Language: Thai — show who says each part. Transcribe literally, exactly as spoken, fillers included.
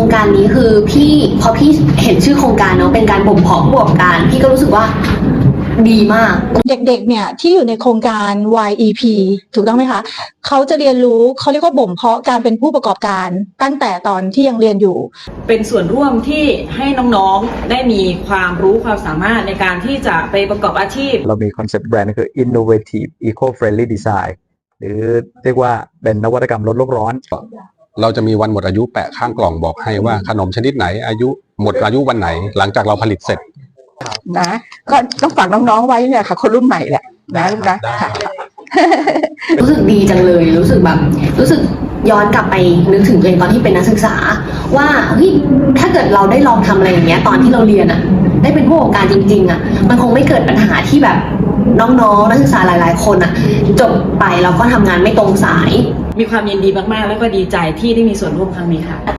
Speaker 1: การนี้คือพี่พอพี่เห็นชื่อโครงการเนาะเป็นการบ่มเพาะผู้ประกอบการพี่ก็รู้สึกว่าดีมาก
Speaker 2: เด็กๆเนี่ยที่อยู่ในโครงการ วาย อี พี ถูกต้องไหมคะเขาจะเรียนรู้เขาเรียกว่าบ่มเพาะการเป็นผู้ประกอบการตั้งแต่ตอนที่ยังเรียนอยู่
Speaker 3: เป็นส่วนร่วมที่ให้น้องๆได้มีความรู้ความสามารถในการที่จะไปประกอบอาชีพ
Speaker 4: เรามีคอนเซ็ปต์แบรนด์คือ innovative eco-friendly design หรือเรียกว่าเป็นนวัตกรรมลดโลกร้อน
Speaker 5: เราจะมีวันหมดอายุแปะข้างกล่องบอกให้ว่าขนมชนิดไหนอายุหมดอายุวันไหนหลังจากเราผลิตเสร็จ
Speaker 6: นะก็ต้องฝากน้องๆไว้เนี่ยค่ะคนรุ่นใหม่แหละนะลูกนะค่ะ
Speaker 1: รู้สึกดีจังเลยรู้สึกแบบรู้สึกย้อนกลับไปนึกถึงตัวเองตอนที่เป็นนักศึกษาว่าเฮ้ยถ้าเกิดเราได้ลองทำอะไรอย่างเงี้ยตอนที่เราเรียนอะได้เป็นผู้ประกอบการจริงๆอะมันคงไม่เกิดปัญหาที่แบบน้องๆนักศึกษาหลายๆคนอะจบไปแล้วก็ทำงานไม่ตรงสาย
Speaker 3: มีความยินดีมากๆแล้วก็ดีใจที่ได้มีส่วนร่วมครั้งนี้ค่ะ